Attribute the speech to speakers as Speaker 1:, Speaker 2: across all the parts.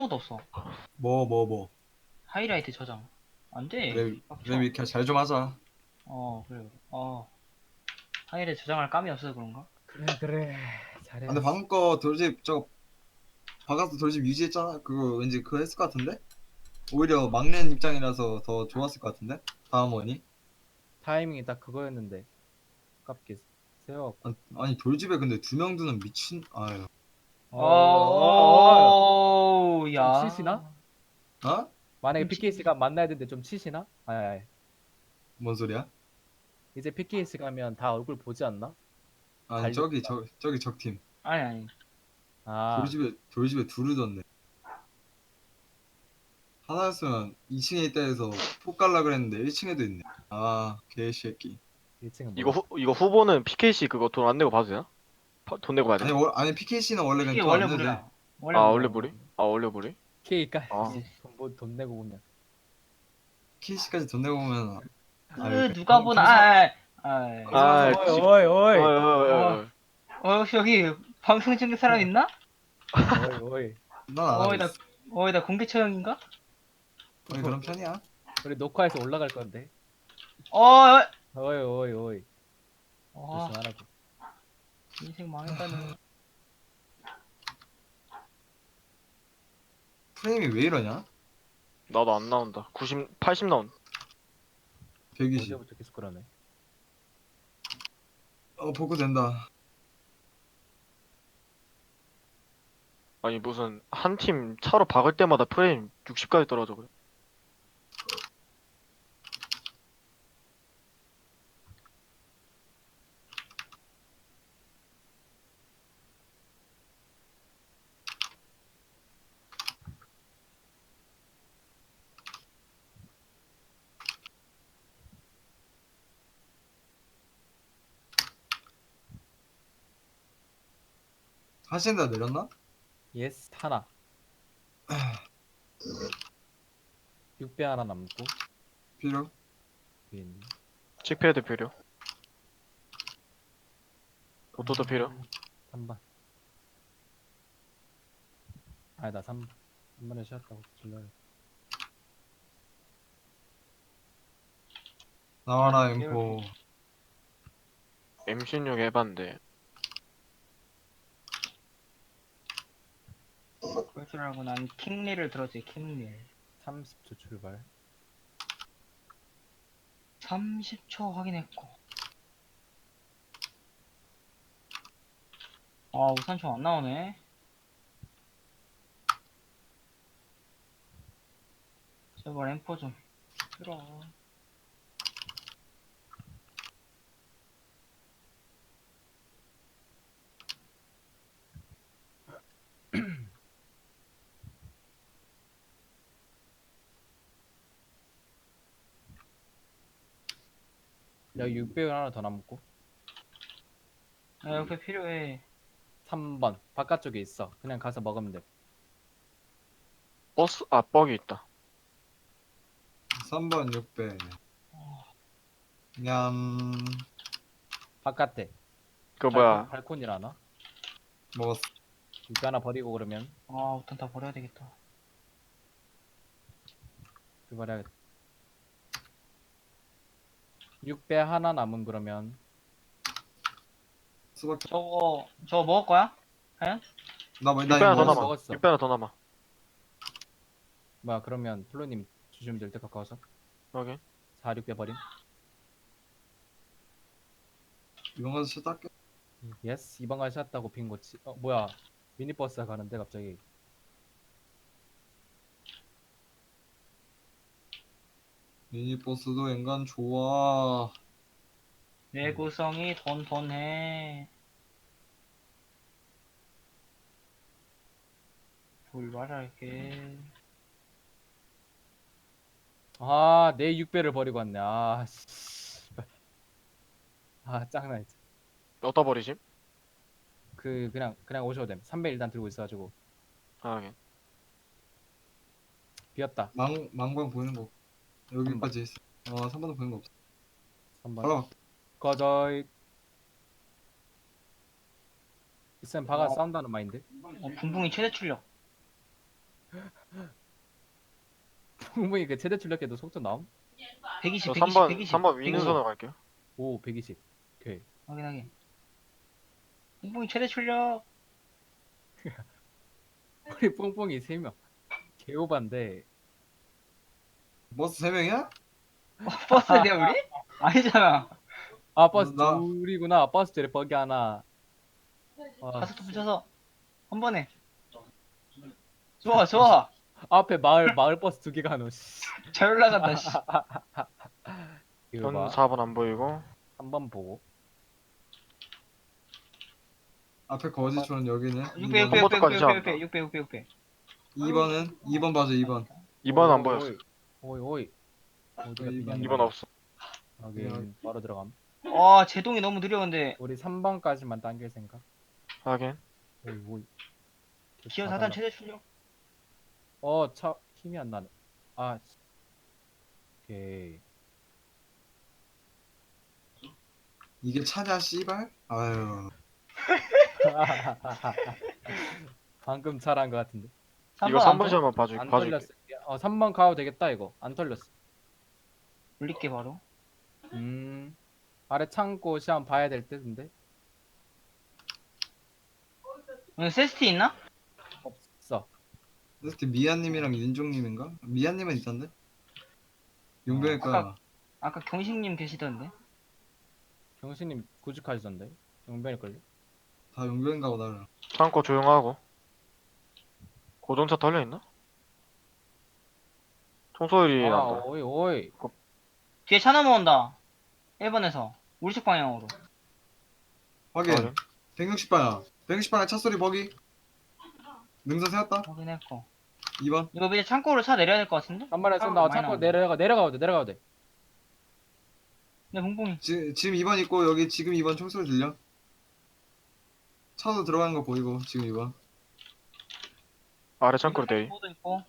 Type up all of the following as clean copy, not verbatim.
Speaker 1: 아무것도 없어.
Speaker 2: 뭐.
Speaker 1: 하이라이트 저장. 안 돼.
Speaker 2: 그래,
Speaker 1: 빡쳐.
Speaker 2: 그래, 이렇게 잘 좀 하자.
Speaker 1: 그래. 하이라이트 저장할 감이 없어서 그런가?
Speaker 3: 그래
Speaker 2: 아, 근데
Speaker 3: 잘해야지.
Speaker 2: 방금 거 돌집, 바가스 돌집 유지했잖아. 그거 왠지 그거 했을 것 같은데? 오히려 막내 입장이라서 더 좋았을 것 같은데? 다음 원이?
Speaker 3: 타이밍이 딱 그거였는데 아깝게 세워갖고.
Speaker 2: 아니, 돌집에 근데 두 명 두는 미친, 아유.
Speaker 3: 좀
Speaker 1: 야.
Speaker 3: 치시나?
Speaker 2: 어?
Speaker 3: 만약에
Speaker 1: 끔찍.
Speaker 3: PKC가 만나야 되는데 좀 치시나? 아이,
Speaker 2: 뭔 소리야?
Speaker 3: 이제 PKC 가면 다 얼굴 보지 않나?
Speaker 2: 아니,
Speaker 3: 달리니까.
Speaker 2: 저기 적팀.
Speaker 1: 아니.
Speaker 3: 아,
Speaker 2: 돌집에 둘을 뒀네. 하나였으면 2층에 있다 해서 폭 갈라 그랬는데 1층에도 있네. 아, 개새끼.
Speaker 3: 1층은
Speaker 4: 이거
Speaker 3: 뭐야?
Speaker 4: 이거 후보는 PKC 그거 돈 안 내고 봐도 되나? 돈 내고 봐야 돼?
Speaker 2: 아니, PKC는 원래 그냥
Speaker 1: 이게
Speaker 2: 돈 안
Speaker 1: 원래
Speaker 2: 내도 돼.
Speaker 1: 무료야.
Speaker 4: 아
Speaker 1: 원래
Speaker 4: 원래
Speaker 1: 무료야.
Speaker 4: 무리? 아 원래 무리? 아
Speaker 3: PK까지 돈 내고 보면.
Speaker 2: PKC까지 돈 내고 보면,
Speaker 1: 그 누가 보나.
Speaker 4: 아,
Speaker 3: 어이
Speaker 4: 집.
Speaker 3: 어이
Speaker 4: 어이
Speaker 3: 어이
Speaker 4: 어이 어이.
Speaker 1: 혹시 여기 방송 중인 사람 있나?
Speaker 3: 어이 어이.
Speaker 2: 난 안 하고
Speaker 1: 나
Speaker 2: 있어.
Speaker 1: 나 공개 처형인가?
Speaker 2: 거의 그런 편이야.
Speaker 3: 우리 녹화해서 올라갈 건데.
Speaker 1: 어,
Speaker 3: 어이 어이 어이.
Speaker 1: 와,
Speaker 3: 조심하라고.
Speaker 1: 인생 망했다는.
Speaker 2: 프레임이 왜 이러냐?
Speaker 4: 나도 안 나온다. 90, 80 나온다.
Speaker 2: 120.
Speaker 3: 어제부터 계속 그러네.
Speaker 2: 복구 된다.
Speaker 4: 아니 무슨 한 팀 차로 박을 때마다 프레임 60까지 떨어져 그래.
Speaker 2: 하신다 내렸나?
Speaker 3: 예스 하나. 6배 하나 남고.
Speaker 2: 필요?
Speaker 3: 위에 있네.
Speaker 4: 칙패드 필요. 로또도 필요.
Speaker 3: 3번. 아니다 3번. 3번에 쉬었다고 질러야.
Speaker 2: 나와라 엠포.
Speaker 4: M16 해봤는데
Speaker 1: 그럴 줄 알고 난 킹리를 들었지, 킹리.
Speaker 3: 30초 출발.
Speaker 1: 30초 확인했고. 우산총 안 나오네. 제발 엠포 좀. 들어.
Speaker 3: 여기 600원 하나 더 남고.
Speaker 1: 이렇게 필요해.
Speaker 3: 3번 바깥쪽에 있어. 그냥 가서 먹으면 돼.
Speaker 4: 버스 뻑이 있다.
Speaker 2: 3번 6배. 냠.
Speaker 3: 바깥에.
Speaker 4: 그 뭐야?
Speaker 3: 발코니라나?
Speaker 2: 먹었어.
Speaker 3: 6배 하나 버리고 그러면
Speaker 1: 우선 다 버려야 되겠다.
Speaker 3: 출발해야겠다. 6배 하나 남은 그러면
Speaker 2: 수박해.
Speaker 1: 저거 먹을 거야? 과연?
Speaker 2: 나
Speaker 4: 6배
Speaker 2: 이거
Speaker 4: 하나 더
Speaker 3: 먹었어,
Speaker 4: 남아.
Speaker 3: 먹었어.
Speaker 4: 6배 하나 더 남아.
Speaker 3: 뭐야 그러면 플로님 주시면 될 때 가까워서
Speaker 4: 여기.
Speaker 3: 4, 6배 버림.
Speaker 2: 이번 가서 쉬다 할게.
Speaker 3: 예스 2번 가시 셨다고 빈 거지. 뭐야 미니버스가 가는데 갑자기.
Speaker 2: 미니버스도 엔간 좋아.
Speaker 1: 내구성이 돈해. 돌발할게.
Speaker 3: 내 6배를 버리고 왔네. 씨발. 짱나 진짜.
Speaker 4: 어디다 버리지?
Speaker 3: 그냥 오셔도 됨. 3배 일단 들고 있어가지고
Speaker 4: 아 여기.
Speaker 3: 비었다.
Speaker 2: 망광 보이는 거. 여기까지 있어. 3번도 보이는 거 없어.
Speaker 3: 3번
Speaker 2: 발라.
Speaker 3: 꺼져이. 있으면 박아
Speaker 1: 어.
Speaker 3: 싸운다는 마인드.
Speaker 1: 붕붕이 최대 출력.
Speaker 3: 풍붕이 그 최대 출력해도 속도 나옴?
Speaker 1: 120,
Speaker 4: 저
Speaker 1: 120,
Speaker 4: 3번
Speaker 1: 120.
Speaker 4: 3번 위능선으로 갈게요.
Speaker 3: 오 120. 오케이.
Speaker 1: 확인하게. 뿡뿡이 최대 출력.
Speaker 3: 우리 뽕뽕이 3명. 개오반데.
Speaker 2: 버스 3명이야?
Speaker 1: 버스냐 우리? 아니잖아.
Speaker 3: 아 버스
Speaker 2: 나-
Speaker 3: 둘이구나. 버스 둘에 버기 하나. 아,
Speaker 1: 가스트 붙여서 한 번에. 좋아 좋아.
Speaker 3: 앞에 마을 버스 2개가 하노. 씨.
Speaker 1: 잘 올라간다 씨.
Speaker 3: 이거
Speaker 4: 전
Speaker 3: 봐.
Speaker 4: 4번 안 보이고.
Speaker 3: 한번 보고.
Speaker 2: 앞에 거지촌 여기는
Speaker 1: 600,
Speaker 2: 2번.
Speaker 1: 600, 600,
Speaker 4: 번까지
Speaker 1: 600, 600, 600, 600, 600.
Speaker 2: 2번은 2번 봐줘 2번.
Speaker 4: 2번 안 보였어.
Speaker 3: 오이. 어디가
Speaker 2: 어, 이번.
Speaker 3: 비냐?
Speaker 4: 2번 없어.
Speaker 3: 확인. 바로 들어감.
Speaker 1: 와 제동이 너무 느려 근데.
Speaker 3: 우리 3번까지만 당길 생각.
Speaker 4: 확인.
Speaker 3: 오이.
Speaker 1: 기어 4단 최대 출력.
Speaker 3: 차 힘이 안 나네. 아. 씨. 오케이.
Speaker 2: 이게 차냐 씨발? 아유.
Speaker 3: 방금 잘한 것 같은데.
Speaker 4: 이거
Speaker 1: 3번
Speaker 4: 3번 시험만
Speaker 3: 안
Speaker 4: 봐줄게.
Speaker 3: 털렸어. 3번 가도 되겠다 이거. 안 털렸어.
Speaker 1: 올릴게 바로.
Speaker 3: 아래 창고 시험 봐야 될 때인데.
Speaker 1: 오늘 세스티 있나?
Speaker 3: 없어.
Speaker 2: 그때 미아님이랑 윤종님인가? 미아님은 있던데? 용병일까?
Speaker 1: 아까 경식님 계시던데.
Speaker 3: 경신님 구직하시던데. 용변일걸요?
Speaker 2: 다 용병인가 보다.
Speaker 4: 창고 조용하고. 고정차 털려있나? 총소리
Speaker 3: 아,
Speaker 4: 난다.
Speaker 3: 오이.
Speaker 1: 뒤에 차 넘어온다. 1번에서 우리 쪽 방향으로.
Speaker 2: 확인.
Speaker 4: 확인.
Speaker 2: 160방향. 160방향 차 소리 버기. 능선 세웠다.
Speaker 1: 확인했고.
Speaker 2: 2번.
Speaker 1: 이거 이제 창고로 차 내려야 될 것 같은데?
Speaker 3: 한 마리 쏜다.
Speaker 1: 많이
Speaker 3: 창고
Speaker 1: 나오네.
Speaker 3: 내려가도 돼.
Speaker 1: 네 봉봉이.
Speaker 2: 지금 2번 있고 여기 지금 2번 총소리 들려? 차도 들어가는 거 보이고 지금 2번.
Speaker 4: 아래 창고로 대위.
Speaker 1: 보도 있고.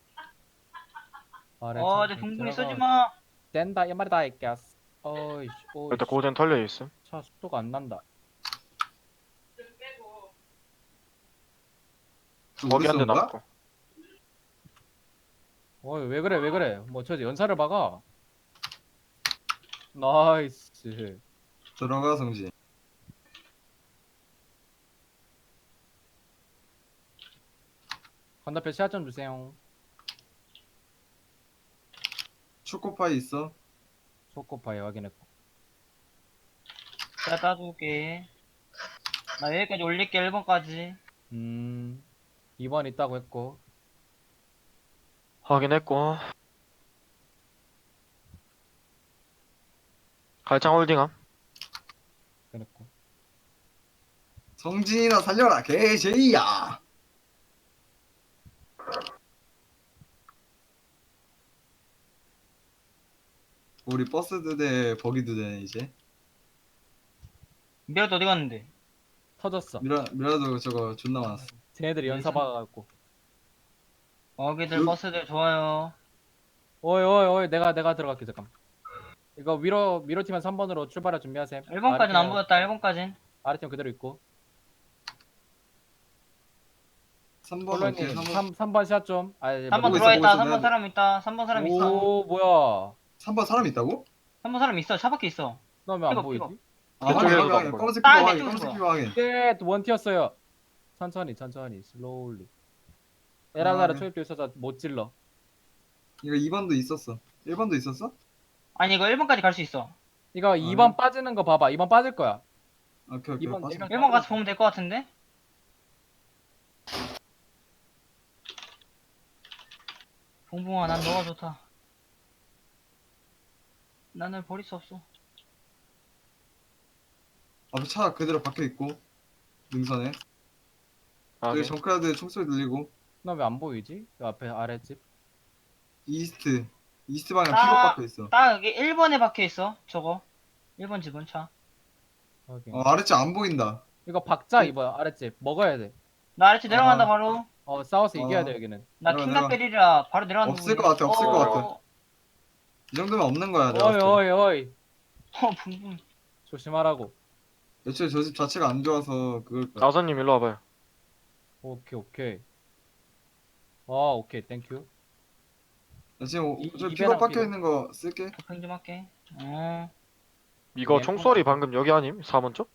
Speaker 3: 아래
Speaker 1: 이제
Speaker 3: 창고
Speaker 1: 봉봉이
Speaker 3: 들어가.
Speaker 1: 쏘지 마.
Speaker 3: 된다 이 말이다 이 gas. 어이.
Speaker 4: 일단 고정 털려있음.
Speaker 3: 차 속도가 안 난다.
Speaker 4: 거기 한 대
Speaker 2: 거야?
Speaker 4: 남고.
Speaker 3: 어이 왜 그래? 뭐 저 연사를 박아. 나이스.
Speaker 2: 들어가 성진.
Speaker 3: 건너편 시야 좀 주세요.
Speaker 2: 초코파이 있어.
Speaker 3: 초코파이 확인했고.
Speaker 1: 내가 따줄게. 나 여기까지 올릴게 1번까지.
Speaker 3: 2번 있다고 했고.
Speaker 4: 확인했고. 갈창 홀딩함.
Speaker 3: 그랬고.
Speaker 2: 성진이나 살려라 개제이야. 우리 버스 2대 버기 2대네 이제.
Speaker 1: 미라도 어디 갔는데?
Speaker 3: 터졌어.
Speaker 2: 미라도 저거 존나 많았어.
Speaker 3: 쟤네들이 연사 박아갖고.
Speaker 1: 어기들 버스들 좋아요.
Speaker 3: 오이 내가 들어갈게 잠깐. 이거 위로 팀한 3번으로 출발할 준비하세요.
Speaker 1: 1번까지는 안 보였다 1번까진.
Speaker 3: 아래팀 그대로 있고.
Speaker 2: 3번
Speaker 3: 콜로님
Speaker 2: 어떻게
Speaker 3: 3번 시야 좀.
Speaker 1: 3번
Speaker 2: 보고
Speaker 1: 들어와
Speaker 2: 있어,
Speaker 1: 있다.
Speaker 2: 보고 있어.
Speaker 1: 3번 사람 있다. 3번 사람 있어.
Speaker 3: 오 뭐야.
Speaker 2: 3번 사람 있다고?
Speaker 1: 3번 사람 있어. 차 밖에 있어.
Speaker 3: 나 왜 안
Speaker 1: 픽업,
Speaker 3: 보이지?
Speaker 1: 픽업.
Speaker 2: 아
Speaker 4: 그쪽에도
Speaker 2: 확인
Speaker 4: 안 보여.
Speaker 2: 검은색
Speaker 1: 아,
Speaker 2: 피부
Speaker 1: 내
Speaker 2: 확인.
Speaker 1: 쪽으로
Speaker 2: 검은색
Speaker 1: 봐.
Speaker 2: 피부 확인.
Speaker 3: 네, 원티였어요. 천천히, 슬로울리. 에라나라
Speaker 2: 네.
Speaker 3: 초입도 있어서 못 질러.
Speaker 2: 이거 2번도 있었어. 1번도 있었어?
Speaker 1: 아니 이거 1번까지 갈 수 있어.
Speaker 3: 이거 2번 빠지는 거 봐봐. 2번 빠질 거야.
Speaker 2: 오케이
Speaker 3: 이번
Speaker 2: 빠져.
Speaker 3: 일번
Speaker 1: 1번 가서 보면 될 것 같은데? 봉봉아 난 너가 좋다. 나는 버릴 수 없어.
Speaker 2: 앞에 차 그대로 박혀 있고 능선에.
Speaker 4: 확인.
Speaker 2: 여기 정크라드 총소리 들리고.
Speaker 3: 나 왜 안 보이지? 그 앞에 아랫집.
Speaker 2: 이스트 방향
Speaker 1: 아.
Speaker 2: 픽업 박혀 있어.
Speaker 1: 딱 여기 1번에 박혀 있어. 저거. 1번 집은 차.
Speaker 3: 확인.
Speaker 2: 아래쪽 안 보인다.
Speaker 3: 이거 박자 이거 아랫집 먹어야 돼.
Speaker 1: 나 아래쪽 내려간다
Speaker 2: 아.
Speaker 1: 바로.
Speaker 3: 싸워서 이겨야
Speaker 2: 어.
Speaker 3: 돼 여기는.
Speaker 1: 나
Speaker 2: 내려가,
Speaker 1: 킹갓벨이라 바로 내려가는
Speaker 2: 없을
Speaker 1: 부분이야.
Speaker 2: 것 같아, 없을 것 같아. 이 정도면 없는 거야 내가 봤을 때.
Speaker 3: 어이.
Speaker 1: 봉봉.
Speaker 3: 조심하라고.
Speaker 2: 애초에 저 집 자체가 안 좋아서 그걸 거야.
Speaker 4: 나선님 일로 와봐요.
Speaker 3: 오케이. 오케이 땡큐.
Speaker 2: 나 지금 저
Speaker 3: 이배랑
Speaker 2: 픽업 박혀
Speaker 3: 피로.
Speaker 2: 있는 거 쓸게.
Speaker 1: 도핑 좀 할게. 어.
Speaker 4: 이거
Speaker 3: 네,
Speaker 4: 총소리 방금 여기 아님? 4번 쪽?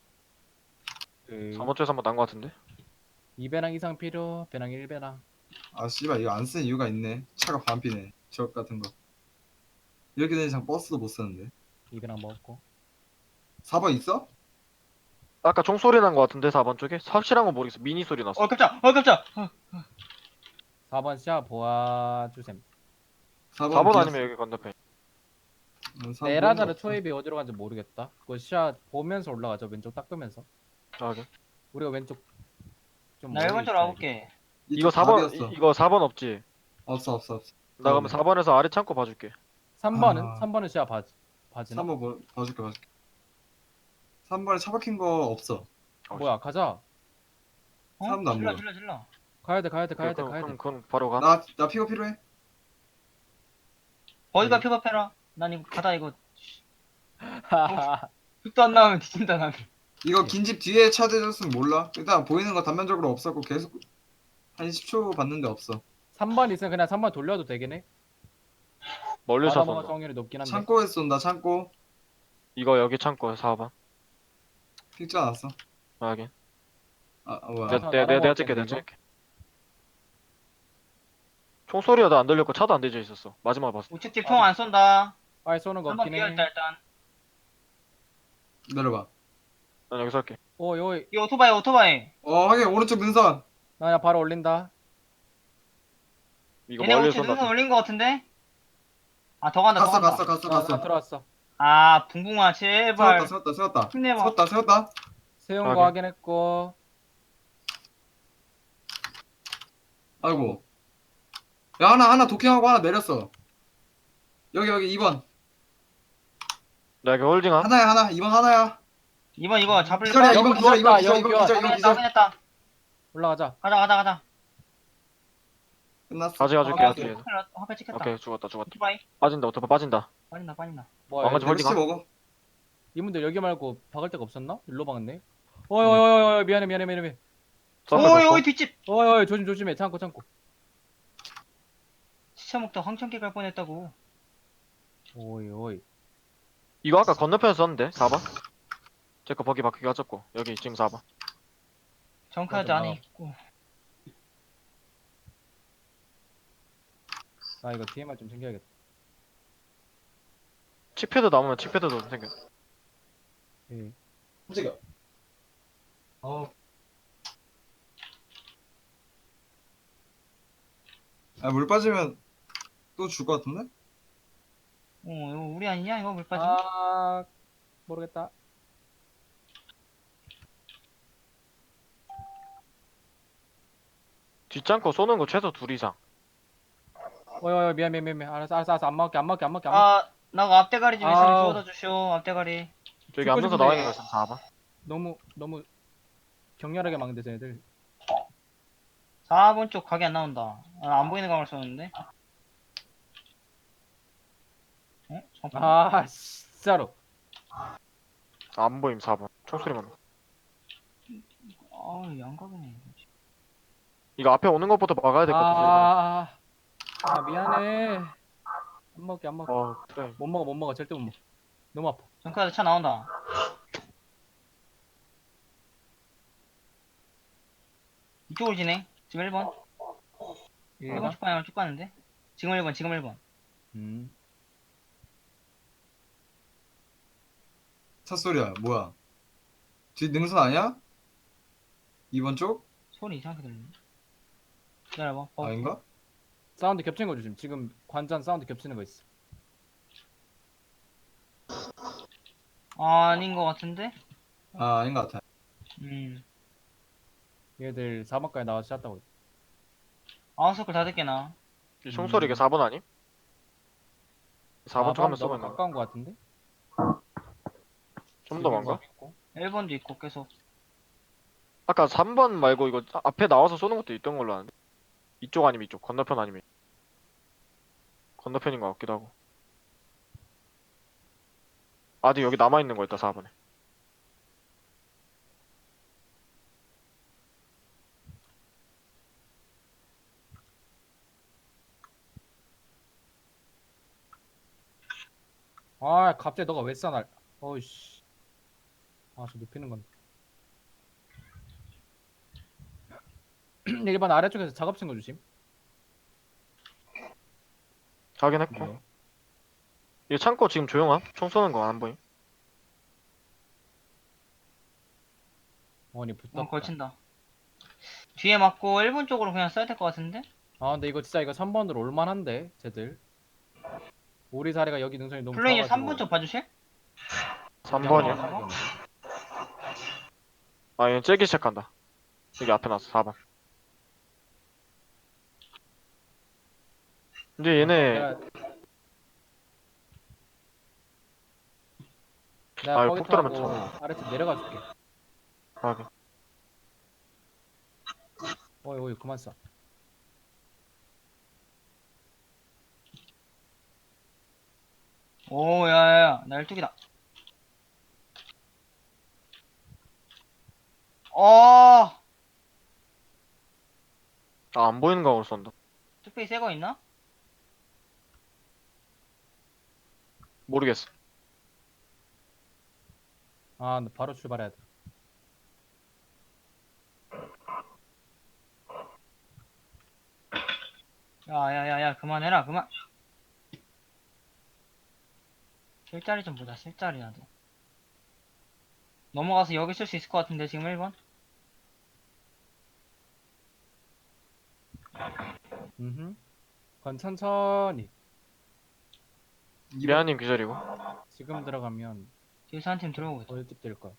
Speaker 3: 그
Speaker 4: 4번 쪽에서 한번 난 거 같은데?
Speaker 3: 2배랑 이상 필요. 배랑 1배랑.
Speaker 2: 아 씨발 이거 안 쓰는 이유가 있네. 차가 반피네. 저 같은 거. 이렇게 되는 이상 버스도 못 쓰는데.
Speaker 3: 2배랑 먹었고.
Speaker 2: 4번 있어?
Speaker 4: 아까 총소리 난 거 같은데 4번 쪽에? 확실한 건 모르겠어. 미니 소리 났어.
Speaker 1: 깜짝. 깜짝.
Speaker 3: 4번 샤 보아주셈.
Speaker 4: 4번 아니면 여기 건너편.
Speaker 3: 에라자르 초입이 어디로 간지 모르겠다. 그거 샤 보면서 올라가죠. 왼쪽 닦으면서.
Speaker 4: 아, 오케이.
Speaker 3: 우리가 왼쪽 좀
Speaker 1: 나
Speaker 3: 멀리
Speaker 1: 1번 쪽으로
Speaker 3: 있어야지.
Speaker 1: 와볼게.
Speaker 4: 이거 4번 이거 4번 없지?
Speaker 2: 없어.
Speaker 4: 나 그러면 4번에서 아래 창고 봐줄게.
Speaker 3: 3번은?
Speaker 2: 아.
Speaker 3: 3번은 샤 바지나?
Speaker 2: 3번 봐줄게. 3번에 차 박힌 거 없어.
Speaker 3: 뭐야 가자.
Speaker 1: 어?
Speaker 2: 사람도 안 보여.
Speaker 1: 질러.
Speaker 3: 가야 돼.
Speaker 4: 그럼 바로 가.
Speaker 2: 나 픽업 필요해?
Speaker 1: 어디가
Speaker 2: 네.
Speaker 1: 픽업해라. 난 이거 가다 이거. 흙도 안 나오면 뒤진다 나는.
Speaker 2: 이거 긴 집 뒤에 차 대줬으면 몰라. 일단 보이는 거 단면적으로 없었고 계속 한 10초 봤는데 없어.
Speaker 3: 3번 있으면 그냥 3번 돌려도 되긴 해.
Speaker 4: 멀리서
Speaker 3: 바다먹어
Speaker 4: 쏜다.
Speaker 3: 확률이 높긴 한데.
Speaker 2: 창고에 쏜다. 창고.
Speaker 4: 이거 여기 창고에 4번.
Speaker 2: 픽 않았어.
Speaker 4: 확인.
Speaker 2: 뭐야.
Speaker 4: 내가 찍게, 내가 찍게. 총소리가 안 들렸고 차도 안 대져 있었어. 마지막에 봤어.
Speaker 1: 우측집 총 안 쏜다.
Speaker 3: 아예 쏘는 거
Speaker 1: 한번
Speaker 3: 없긴
Speaker 1: 비어
Speaker 3: 해.
Speaker 1: 있다 일단.
Speaker 2: 내려봐.
Speaker 4: 난 여기서 할게.
Speaker 3: 여기
Speaker 1: 이 오토바이.
Speaker 2: 확인. 오른쪽 능선.
Speaker 3: 나 그냥 바로 올린다.
Speaker 4: 이거
Speaker 1: 얘네
Speaker 4: 멀리서
Speaker 1: 우측 능선
Speaker 4: 쏜다.
Speaker 1: 올린 거 같은데? 아 더 간다.
Speaker 2: 갔어.
Speaker 3: 들어왔어.
Speaker 1: 아 붕붕아 제발.
Speaker 2: 세웠다.
Speaker 1: 힘내봐.
Speaker 2: 세웠다.
Speaker 3: 세운
Speaker 4: 확인.
Speaker 3: 거 확인했고.
Speaker 2: 아이고. 야, 하나 도킹하고 하나 내렸어. 여기 2번.
Speaker 4: 나 여기 홀딩함.
Speaker 2: 하나. 2번 하나야.
Speaker 1: 이거 잡을
Speaker 2: 기절이야.
Speaker 3: 여기
Speaker 2: 2번 기절.
Speaker 3: 기절.
Speaker 2: 이건 기절.
Speaker 1: 확인했다.
Speaker 3: 올라가자.
Speaker 1: 가자.
Speaker 2: 끝났어.
Speaker 4: 가져갈게.
Speaker 3: 오케이.
Speaker 1: 화폐 찍혔다.
Speaker 4: 오케이, 죽었다.
Speaker 1: 오토바이.
Speaker 4: 빠진다, 빠진다.
Speaker 1: 빠진다.
Speaker 3: 뭐야?
Speaker 4: 왕아지 홀딩.
Speaker 2: 멸치 먹어.
Speaker 3: 이분들 여기 말고 박을 데가 없었나? 일로 박았네. 어이 미안해.
Speaker 1: 오이 뒷집.
Speaker 3: 어이 조심해. 창고.
Speaker 1: 시체 먹다 황천길 갈 뻔했다고.
Speaker 3: 오이.
Speaker 4: 이거 아까 건너편에서 썼는데 4번? 제거 버기 바뀌게 하셨고 여기 지금 4번.
Speaker 1: 정카드
Speaker 3: 맞아,
Speaker 1: 안에
Speaker 3: 나와.
Speaker 1: 있고.
Speaker 3: 나 이거 DMR 좀 챙겨야겠다.
Speaker 4: 칙패드 남으면 칙패드도 생겨.
Speaker 3: 예.
Speaker 2: 깜짝이야. 물 빠지면 또 줄 것 같은데?
Speaker 1: 이거 우리 아니냐 이거 물 빠진.
Speaker 3: 아 모르겠다.
Speaker 4: 뒷장거 쏘는 거 최소 2 이상.
Speaker 3: 어이 미안. 알았어. 안 먹게.
Speaker 1: 나가 앞대가리 좀 있으면
Speaker 3: 아우.
Speaker 1: 주워다 주시오. 앞대가리.
Speaker 4: 저기
Speaker 3: 죽고
Speaker 4: 앞면서
Speaker 3: 싶은데.
Speaker 4: 나와 있는 거 있으면 4번.
Speaker 3: 너무 격렬하게 막는데 쟤네들.
Speaker 1: 4번 쪽 각이 안 나온다. 안 보이는 각을 쏘는데. 잠깐.
Speaker 3: 진짜로.
Speaker 4: 안 보임 4번. 총소리만.
Speaker 1: 양각이네.
Speaker 4: 이거 앞에 오는 것부터 막아야 될 것 같아.
Speaker 3: 미안해. 안 먹게.
Speaker 4: 그래.
Speaker 3: 못 먹어. 절대 못 먹어. 너무 아파.
Speaker 1: 정카드 차 나온다. 이쪽으로 지네. 지금 1번. 1번 쪽 방향으로 쭉 가는데. 지금 1번.
Speaker 2: 차 소리야. 뭐야? 뒤 능선 아니야? 2번 쪽?
Speaker 1: 소리 이상하게 들리네. 기다려봐.
Speaker 2: 아닌가?
Speaker 3: 사운드 겹치는 거 조심. 지금 관전 사운드 겹치는 거 있어.
Speaker 1: 아닌 것 같은데?
Speaker 2: 아닌 것 같아.
Speaker 3: 얘들 4번까지 나와서 샷다고.
Speaker 1: 아웃서클 다 듣게나.
Speaker 4: 이 총소리 이게 4번 아님? 4번 쪽 하면 쏘면
Speaker 3: 가까운 거 같은데?
Speaker 4: 좀 더 많가?
Speaker 1: 1번도 있고 계속.
Speaker 4: 아까 3번 말고 이거 앞에 나와서 쏘는 것도 있던 걸로 아는데. 이쪽 아니면 이쪽. 건너편 아니면 이쪽. 건너편인 것 같기도 하고. 아직 여기 남아있는 거 있다 4번에.
Speaker 3: 아 갑자기 너가 왜 쏴 날. 어이씨. 아 저 눕히는 건데. 1번 아래쪽에서 작업 친거 주심.
Speaker 4: 확인했고.
Speaker 3: 네.
Speaker 4: 이 창고 지금 조용함? 총 쏘는 거 안 보임?
Speaker 3: 어니
Speaker 1: 어,
Speaker 3: 붙었다.
Speaker 1: 걸친다. 뒤에 맞고 1번 쪽으로 그냥 써야 될 것 같은데?
Speaker 3: 아 근데 이거 진짜 이거 3번으로 올만한데 쟤들. 우리 자리가 여기 능선이 너무
Speaker 1: 플레이어
Speaker 3: 좋아가지고.
Speaker 1: 3번 쪽 봐주실?
Speaker 4: 3번이요?
Speaker 1: 어.
Speaker 4: 아, 얘는 째기 시작한다. 여기 앞에 놨어, 4번. 근데 얘네,
Speaker 3: 내가
Speaker 4: 아,
Speaker 3: 거기
Speaker 4: 폭 들어오면
Speaker 3: 타고
Speaker 4: 참.
Speaker 3: 아래쪽 내려가 줄게.
Speaker 4: 확인.
Speaker 3: 어이 어이 그만 쏴.
Speaker 1: 오, 야야야, 나 12기다. 어,
Speaker 4: 아, 안 보이는 각으로 쏜다.
Speaker 1: 뚝배기 새거 있나?
Speaker 4: 모르겠어.
Speaker 3: 아 근데 바로 출발해야 돼.
Speaker 1: 야야야야, 그만해라, 그만. 술자리 좀 보자, 술자리 나도. 넘어가서 여기 쓸 수 있을 것 같은데, 지금 1번?
Speaker 3: 그건 천천히.
Speaker 4: 미아님 기절이고.
Speaker 3: 지금 들어가면
Speaker 1: 뒤에서 한 팀 들어오고 있다.
Speaker 3: 어디 될 거야.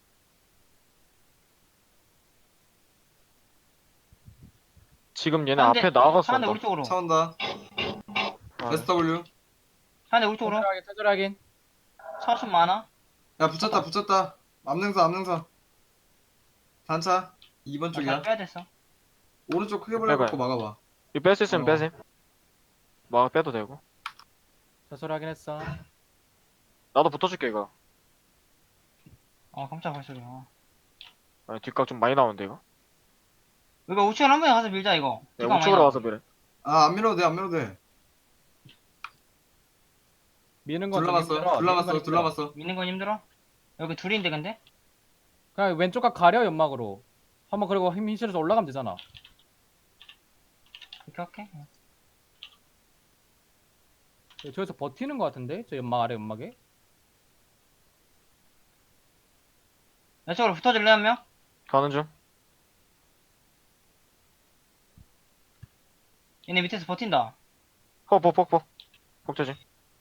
Speaker 4: 지금 얘네
Speaker 1: 사람들-
Speaker 4: 앞에 나가서
Speaker 1: 사람들
Speaker 4: 쏜다.
Speaker 1: 우리 쪽으로.
Speaker 2: 차 온다.
Speaker 4: 아,
Speaker 2: SW.
Speaker 1: 사람들 우리 쪽으로.
Speaker 3: 천천히 하긴.
Speaker 1: 차 좀 많아.
Speaker 2: 야, 붙였다, 붙였다. 암능선. 단차. 2번
Speaker 1: 잘
Speaker 2: 쪽이야.
Speaker 1: 빼야 됐어.
Speaker 2: 오른쪽 크게
Speaker 4: 빼봐요.
Speaker 2: 벌려갖고 막아봐.
Speaker 4: 이거 뺄 수 있으면
Speaker 2: 어.
Speaker 4: 빼셈. 막 빼도 되고.
Speaker 3: 자소리 하긴 했어.
Speaker 4: 나도 붙어줄게, 이거.
Speaker 1: 깜짝 발소리야.
Speaker 4: 아, 뒷각 좀 많이 나오는데, 이거.
Speaker 1: 이거 우측으로 한 번에 가서 밀자, 이거.
Speaker 4: 야,
Speaker 1: 뒷각 많이
Speaker 4: 우측으로
Speaker 1: 나와.
Speaker 4: 와서 그래.
Speaker 2: 아, 안 밀어도 돼, 안 밀어도 돼.
Speaker 3: 미는 건좀 힘들어. 미는 건 힘들어.
Speaker 2: 둘러봤어.
Speaker 1: 미는 건 힘들어? 여기 둘인데, 근데?
Speaker 3: 그냥 왼쪽 각 가려 연막으로. 한번 그리고 힘 실어서 올라가면 되잖아.
Speaker 1: 그렇게 할게.
Speaker 3: 저기서 버티는 거 같은데? 저 연막 아래 연막에?
Speaker 1: 내 쪽으로 붙어줄래, 한 명?
Speaker 4: 가는 중.
Speaker 1: 얘네 밑에서 버틴다.
Speaker 4: 폭. 폭조심.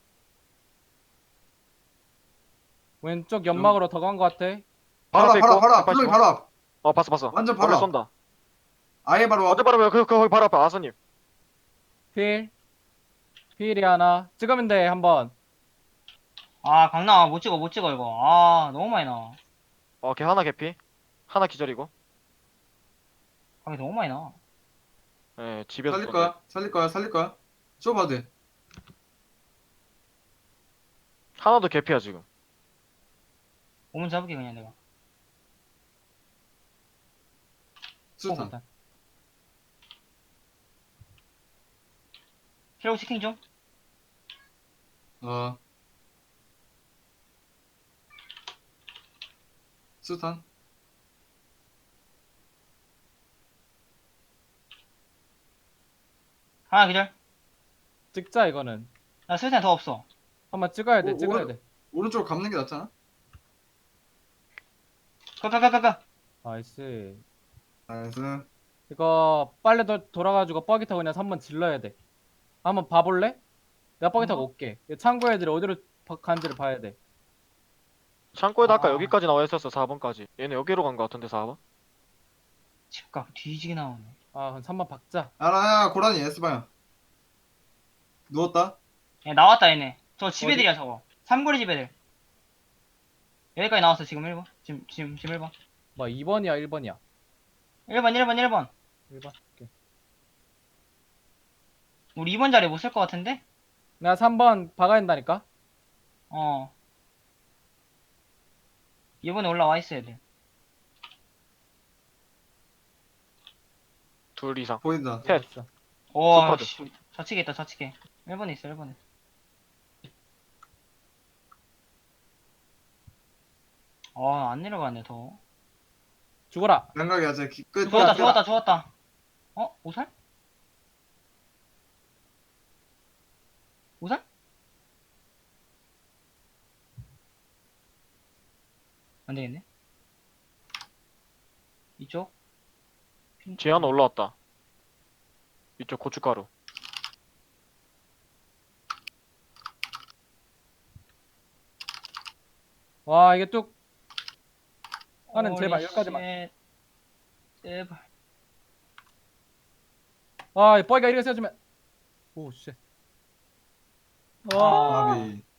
Speaker 3: 왼쪽 연막으로 더 간 거 같아.
Speaker 4: 바로 앞에 있고.
Speaker 2: 바로 앞.
Speaker 4: 185.
Speaker 2: 플로이 바로 앞.
Speaker 4: 봤어.
Speaker 2: 완전 바로
Speaker 4: 멀리
Speaker 2: 앞.
Speaker 4: 쏜다.
Speaker 2: 아예 바로 앞.
Speaker 4: 어제 바로 거기 바로 앞에 아서님.
Speaker 3: 필. 필이 하나. 찍으면 돼, 한번.
Speaker 1: 강나와. 못 찍어, 이거. 너무 많이 나와.
Speaker 4: 걔 하나 개피. 하나 기절이고.
Speaker 1: 강이 너무 많이 나와.
Speaker 4: 예, 집에서
Speaker 2: 살릴 거야. 쏘봐도 돼.
Speaker 4: 하나도 개피야 지금.
Speaker 1: 오면 잡을게, 그냥 내가.
Speaker 2: 수탄.
Speaker 3: 일단.
Speaker 1: 키로그 치킨 좀?
Speaker 2: 수탄.
Speaker 1: 하나 기절.
Speaker 3: 찍자, 이거는.
Speaker 1: 나 술탄 더 없어.
Speaker 3: 한번 찍어야 돼,
Speaker 2: 오,
Speaker 3: 찍어야
Speaker 2: 오른-
Speaker 3: 돼.
Speaker 2: 오른쪽 감는 게 낫잖아.
Speaker 1: 가.
Speaker 3: 나이스.
Speaker 2: 나이스.
Speaker 3: 이거 빨리 돌아가지고 뻐기 타고 그냥 3번 질러야 돼. 한번 봐볼래? 내가 뻐기 타고 올게. 창고 애들이 어디로 간지를 봐야 돼.
Speaker 4: 창고에다 아까
Speaker 1: 아.
Speaker 4: 여기까지 나와 있었어 4번까지. 얘네 여기로 간 거 같은데 4번?
Speaker 1: 집값 뒤지게 나오네.
Speaker 3: 아, 그럼 3번 박자.
Speaker 2: 야, 고라니 S방향. 누웠다.
Speaker 1: 야, 나왔다, 얘네. 저 집애들이야, 저거. 삼거리 집애들. 여기까지 나왔어, 지금 1번. 지금 1번.
Speaker 3: 뭐 2번이야, 1번이야?
Speaker 1: 1번.
Speaker 3: 1번. 오케이.
Speaker 1: 우리 2번 자리 못 쓸 것 같은데?
Speaker 3: 내가 3번 박아야 된다니까?
Speaker 1: 어. 2번에 올라와 있어야 돼.
Speaker 4: 둘 이상.
Speaker 2: 보인다.
Speaker 4: 셋.
Speaker 3: 됐어.
Speaker 1: 오,
Speaker 4: 슈퍼드.
Speaker 1: 씨. 좌측에 있다, 좌측에. 1번에 있어, 1번에. 안 내려가네, 더.
Speaker 3: 죽어라.
Speaker 2: 양각이 아직 끝.
Speaker 1: 죽었다, 죽었다, 죽었다. 오살? 오살? 안 되겠네. 이쪽?
Speaker 4: 뒤에 하나 올라왔다. 이쪽 고춧가루.
Speaker 3: 와 이게 뚝. 하는 제발
Speaker 1: 홀리
Speaker 3: 여기까지만.
Speaker 1: 쉣. 제발.
Speaker 3: 와, 이 뻐기가 이렇게 세워주면. 오, 쉣. 와,
Speaker 2: 나비.